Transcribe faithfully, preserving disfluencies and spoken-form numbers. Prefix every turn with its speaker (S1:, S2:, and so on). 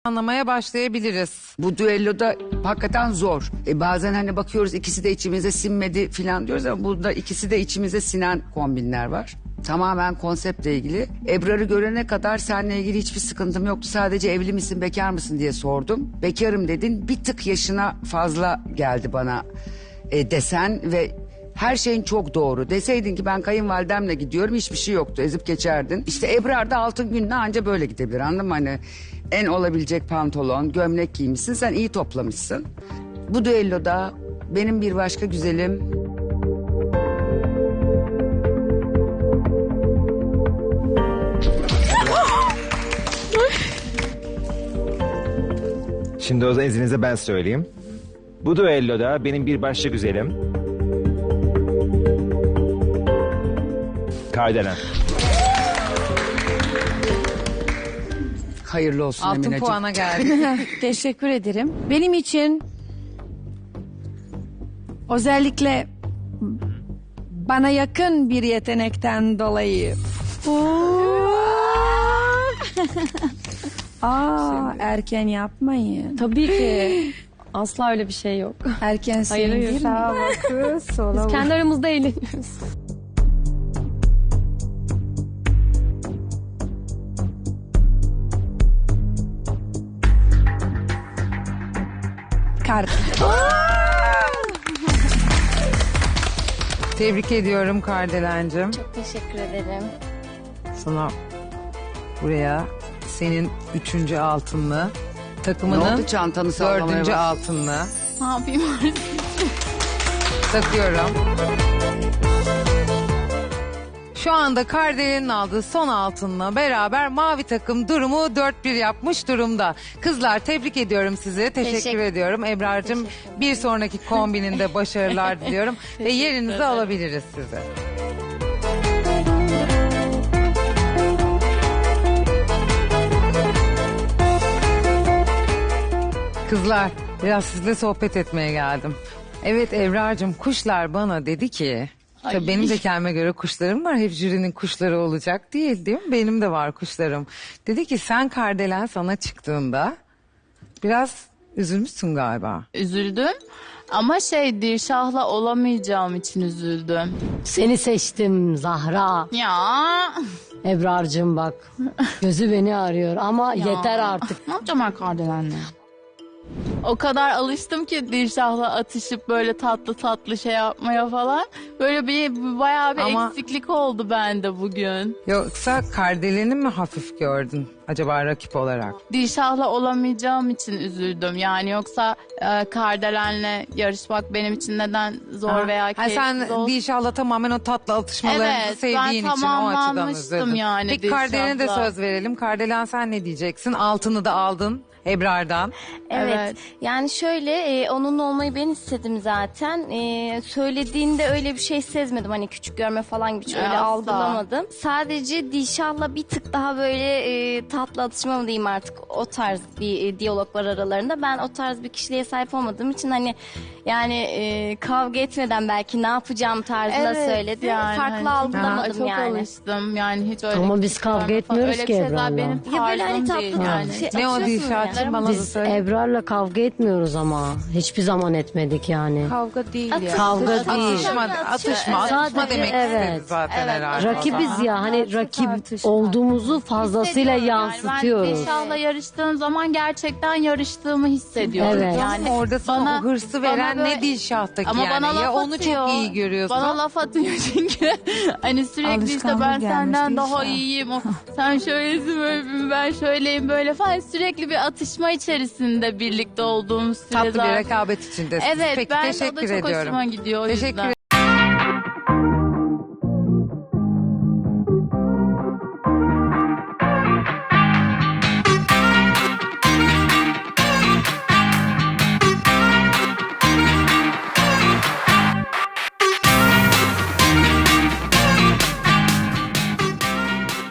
S1: anlamaya başlayabiliriz.
S2: Bu düelloda hakikaten zor. E bazen hani bakıyoruz ikisi de içimize sinmedi falan diyoruz ama burada ikisi de içimize sinen kombinler var. Tamamen konseptle ilgili. Ebrar'ı görene kadar seninle ilgili hiçbir sıkıntım yoktu. Sadece evli misin, bekar mısın diye sordum. Bekarım dedin. Bir tık yaşına fazla geldi bana e, desen ve her şeyin çok doğru. Deseydin ki ben kayınvalidemle gidiyorum, hiçbir şey yoktu. Ezip geçerdin. İşte Ebrar da altın gününe anca böyle gidebilir, anladın mı? Hani en olabilecek pantolon, gömlek giymişsin. Sen iyi toplamışsın. Bu düelloda benim bir başka güzelim...
S3: Şimdi o zaman izninizle ben söyleyeyim. Bu düelloda benim bir başka güzelim... Kardelen.
S2: Hayırlı olsun
S1: Altın
S2: Emineciğim.
S1: puana geldi.
S4: Teşekkür ederim. Benim için özellikle bana yakın bir yetenekten dolayı. Aa, erken yapmayın.
S5: Tabii ki. Asla öyle bir şey yok.
S4: Erken
S5: Hayır, hayır.
S4: sevgili. Sağ kız, sola
S5: Biz kendi aramızda eğleniyoruz.
S4: Kart.
S1: Tebrik ediyorum Kardelencim.
S6: Çok teşekkür ederim.
S1: Sana başlıyor. Senin üçüncü altınlı,
S2: Ne oldu,
S1: takımının
S2: çantanı sallamaya
S1: dördüncü
S2: bak.
S1: altınlı.
S6: Ne yapayım artık?
S1: Takıyorum. Şu anda Kardelen'in aldığı son altınla beraber mavi takım durumu dört bir yapmış durumda. Kızlar tebrik ediyorum sizi. Teşekkür,
S6: Teşekkür-
S1: ediyorum. Ebrar'cığım bir sonraki kombininde başarılar diliyorum. Ve yerinizi alabiliriz size. Kızlar biraz sizle sohbet etmeye geldim. Evet Ebrar'cığım, kuşlar bana dedi ki... Tabii benim de kendime göre kuşlarım var. Hep jürinin kuşları olacak değil, değil mi? Benim de var kuşlarım. Dedi ki sen Kardelen sana çıktığında biraz üzülmüşsün galiba.
S7: Üzüldüm ama şey Dirşah'la olamayacağım için üzüldüm.
S8: Seni seçtim Zahra.
S7: Ya,
S8: Ebrar'cığım bak. Gözü beni arıyor ama
S7: ya.
S8: yeter artık.
S7: Ne yapacağım ben Kardelen'le? O kadar alıştım ki Dirşah'la atışıp böyle tatlı tatlı şey yapmaya falan. Böyle bir bayağı bir
S1: Ama-
S7: eksiklik oldu bende bugün.
S1: Yoksa Kardelen'i mi hafif gördün acaba rakip olarak?
S7: Dirşah'la olamayacağım için üzüldüm. Yani yoksa e, Kardelen'le yarışmak benim için neden zor
S1: Ha.
S7: veya
S1: Ha,
S7: keyifsiz
S1: sen
S7: olsun.
S1: inşallah tamamen o tatlı atışmalarınızı
S7: Evet, ben
S1: sevdiğin için o açıdan
S7: tamamlanmıştım
S1: üzüldün.
S7: yani
S1: Peki Kardelen'e de
S7: Dilşah'la.
S1: söz verelim. Kardelen sen ne diyeceksin? Altını da aldın Ebrar'dan.
S6: Evet.
S7: Evet.
S6: Yani şöyle e, onunla olmayı ben istedim zaten. E, söylediğinde öyle bir şey sezmedim. Hani küçük görme falan gibi hiç öyle
S7: Asla.
S6: algılamadım. Sadece Dilşah'la bir tık daha böyle e, tatlı atışma mı diyeyim artık, o tarz bir e, diyalog var aralarında. Ben o tarz bir kişiliğe sahip olmadığım için hani yani e, kavga etmeden belki ne yapacağım tarzında söyledi.
S7: yani
S6: Farklı
S7: hani
S6: algılamadım
S7: çok
S6: yani.
S7: alıştım yani hiç öyle
S8: Ama
S7: küçük
S8: biz kavga
S7: görme falan,
S8: etmiyoruz
S7: öyle
S8: ki
S7: bir şeyler
S8: Ebrar'la.
S7: benim
S6: Ya böyle hani
S7: tarzım
S6: tatlı
S7: değil
S6: tatlı
S7: yani.
S6: şey
S1: Ne o
S6: atıyorsun
S1: Dilşah'cığım,
S6: yani.
S1: bana da
S8: Biz
S1: söyle.
S8: Ebrar'la kavga etmiyoruz ama. Hiçbir zaman etmedik yani.
S7: Kavga değil ya.
S8: Kavga değil.
S1: Atışma, atışma, atışma
S8: Sadece,
S1: demek
S8: evet.
S1: istedi zaten
S7: Evet.
S1: herhalde.
S8: Rakibiz ya hani rakip
S4: tartışma.
S8: olduğumuzu fazlasıyla
S7: Hissediyorum yani. Ben
S8: yansıtıyoruz.
S7: Dilşah'la yarıştığım zaman gerçekten yarıştığımı hissediyorum.
S8: Evet.
S1: Yani
S7: Yani
S1: orada sana
S7: bana-
S1: o hırsı
S7: bana
S1: veren
S7: böyle-
S1: ne Dilşah'taki
S7: ama
S1: yani.
S7: bana laf
S1: Ya onu
S7: atıyor.
S1: çok iyi görüyorsun.
S7: Bana laf atıyor çünkü hani sürekli işte
S4: Alışkanlık
S7: ben
S4: gelmiş
S7: senden
S4: Dilşah.
S7: daha iyiyim. O, sen şöylesin böyle, ben şöyleyim böyle falan. Sürekli bir atışma içerisinde birlikte olduğumuz süre
S1: Tatlı bir
S7: zaten.
S1: rekabet içindesiniz.
S7: Evet,
S1: Peki
S7: ben de o da
S1: teşekkür
S7: çok
S1: ediyorum.
S7: hoşuma gidiyor o
S1: Teşekkür
S7: yüzden.